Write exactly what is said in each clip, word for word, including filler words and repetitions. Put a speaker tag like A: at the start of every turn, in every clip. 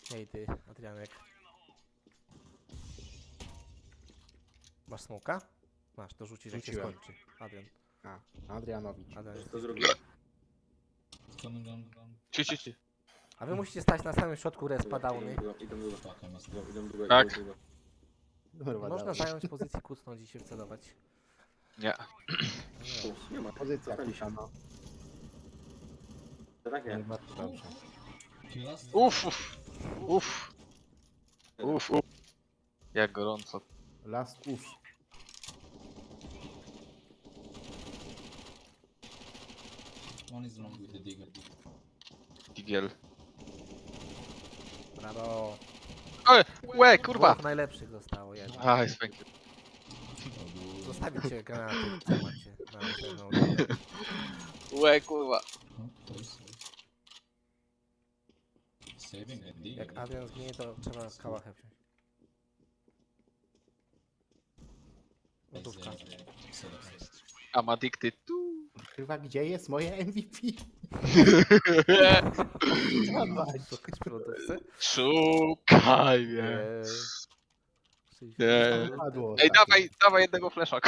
A: Ej ty, Adrianek. Masz smoka? Masz, to rzucisz jak się
B: Rzuciłem.
A: skończy. Adrian.
B: A, Adrianowicz.
A: Adrian jest
C: To
A: blisko.
C: zrobię.
D: Ci, ci, ci.
A: A wy musicie stać na samym środku respa downy.
C: Idą długo, idą długo. Idą, idą długo,
D: Tak.
C: idą długo.
B: Kurwa,
A: Można
B: dawaj.
A: zająć pozycję, kucnąć i się wcelować.
D: Nie.
A: No nie.
C: Tu, nie ma.
B: Pozycja
C: Zostali się.
B: kusana.
C: To tak nie.
B: Bardzo dobrze.
D: Uff, uff. Uff. Uff, uff. Jak gorąco.
B: Last uff.
E: One is long with the digger.
D: Digiel.
A: Brawo.
D: Oj, łe, kurwa.
A: Dwóch najlepszych zostało jednak.
D: Aj, thank you.
A: Zostawić cię granaty, co macie. Na pewno.
D: Łe, kurwa.
E: Oh, close. Saving the digger.
A: Jak Adrian zginie, to trzeba kałachę wziąć.
E: Is,
A: Gotówka.
E: uh, select.
D: I'm addicted to.
B: Kurwa, gdzie jest moje M V P? Dawaj.
A: Szukać przy lodówce?
D: Szukaj mnie.
A: Eee,
D: Nie.
B: Padło
D: Ej,
B: ostatnio.
D: dawaj, dawaj jednego flesza.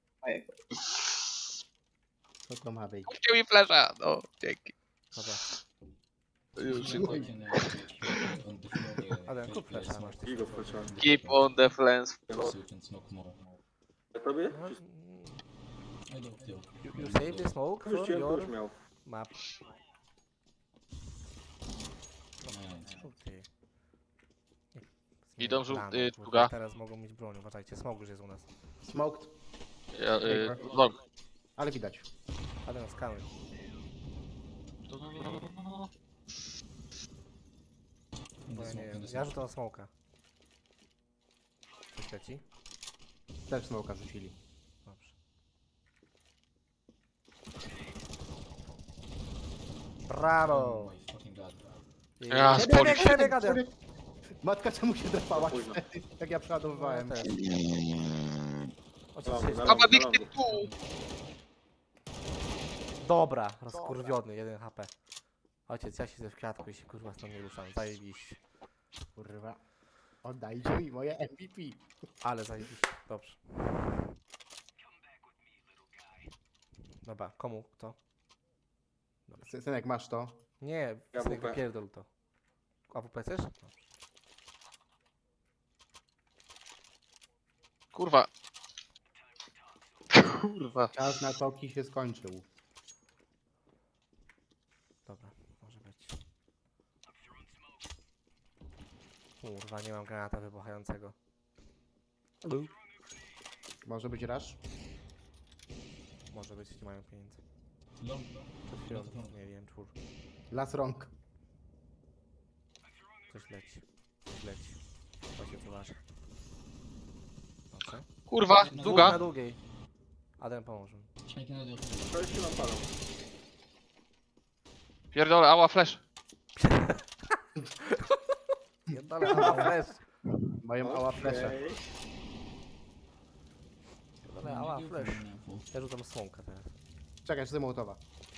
B: Co to ma być?
D: Kupcie mi flesza. No, dzięki.
A: Dobra.
D: Już.
E: You can, uh, keep on the floor, uh,
A: Adrian, kup
E: play
A: flesza, masz
E: smoke.
C: Gigo wkroczyłem.
D: Keep on the flames.
E: So you can smoke more.
C: Ja tobie?
A: No,
E: I don't know.
A: you, you save the smoke for
C: Wróciłem, to już
A: your
C: miał.
A: map.
E: Nice.
A: Okej.
D: Idą żół-
A: Rano,
D: y,
A: kurwa,
D: długa.
A: Teraz mogą mieć broń, uważajcie, smog już jest u nas.
B: Smoked,
D: Ja, y, long.
B: ale widać.
A: Adrian skanuj. Bo ja nie wiem, ja rzucam smoka. Coś leci?
B: Też smoka rzucili.
A: Dobrze. Brawo!
E: Oh my fucking god.
D: Ja,
A: Przebieg,
D: spory.
A: przebieg, Adrian!
B: Matka czemu się drapała
C: Późno.
B: wtedy, jak ja przeładowywałem?
A: No, ja też. Ojciec
C: Dobra,
A: się...
C: dobra.
D: I'm addicted to.
A: Dobra, rozkurwiony, jeden H P. Ojciec, ja siedzę w kwiatku i się kurwa stąd nie ruszam, zajebiście.
B: Kurwa. Oddajcie mi moje M V P.
A: Ale zajebiście, dobrze. Dobra, komu? Kto?
B: Sy- Synek, masz to?
A: Nie,
C: Ja
A: synek,
C: W P.
A: wypierdol to. A W P chcesz? Dobrze.
D: Kurwa. Kurwa.
B: Czas na toki się skończył.
A: Dobra, może być. Kurwa, nie mam granata wybuchającego.
B: Może być rush?
A: Może być, nie mają pieniędzy.
E: Long.
A: Przed chwilą, nie wiem, czwór.
B: Las rąk.
A: Coś leci. Coś leci. Ojciec uważa. Dobrze.
D: Kurwa,
A: Dwóch
D: długa.
A: na długiej. Adrian pomóż mi.
E: I cannot do
C: To już się nam palą.
D: Pierdolę, ała, flash.
A: Pierdolę, ała flash.
B: Mają ała flesze.
C: Okej.
A: Pierdolę, ała flash. Ja rzucam smoka teraz.
B: Czekaj, czy Mołotowa.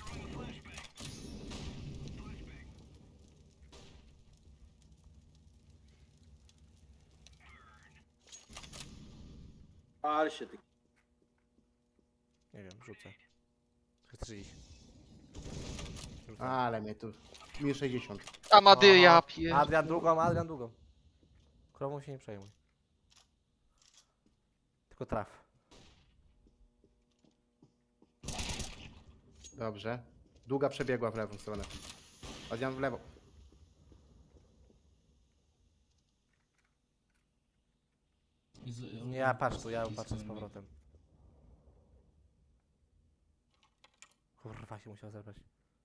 C: Pal się ty.
A: Nie wiem, rzucę. Chcesz iść? Rzucam.
B: Ale mnie tu... Minus sześćdziesiąt.
D: Amady, ja
A: Aha.
D: pier...
A: Adrian długą, Adrian długą. Krową się nie przejmuj. Tylko traf.
B: Dobrze. Długa przebiegła w lewą stronę. Adrian w lewo.
E: Is, uh,
A: Nie, ja patrz tu, ja
E: is
A: patrzę z
E: coming
A: powrotem. Kurwa się musiał zebrać.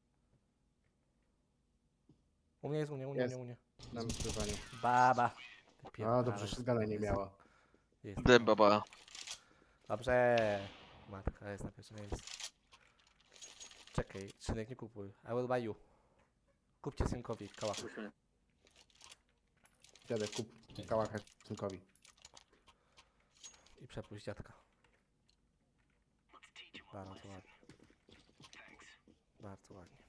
A: U mnie jest, u mnie, u mnie, u
B: Jest.
A: mnie, u mnie.
B: Na wykrywaniu.
A: Baba.
B: A,
A: Wypierdalaj.
B: dobrze, shotguna nie miała.
A: Jest.
D: Dem, baba.
A: Dobrze. Matka jest na pierwszym miejscu. Czekaj, synek, nie kupuj. I will buy you. Kupcie synkowi kałach.
C: Musimy.
B: Dziadek, kup kałachę synkowi.
A: I przepuść dziadka. Bardzo ładnie. Bardzo ładnie.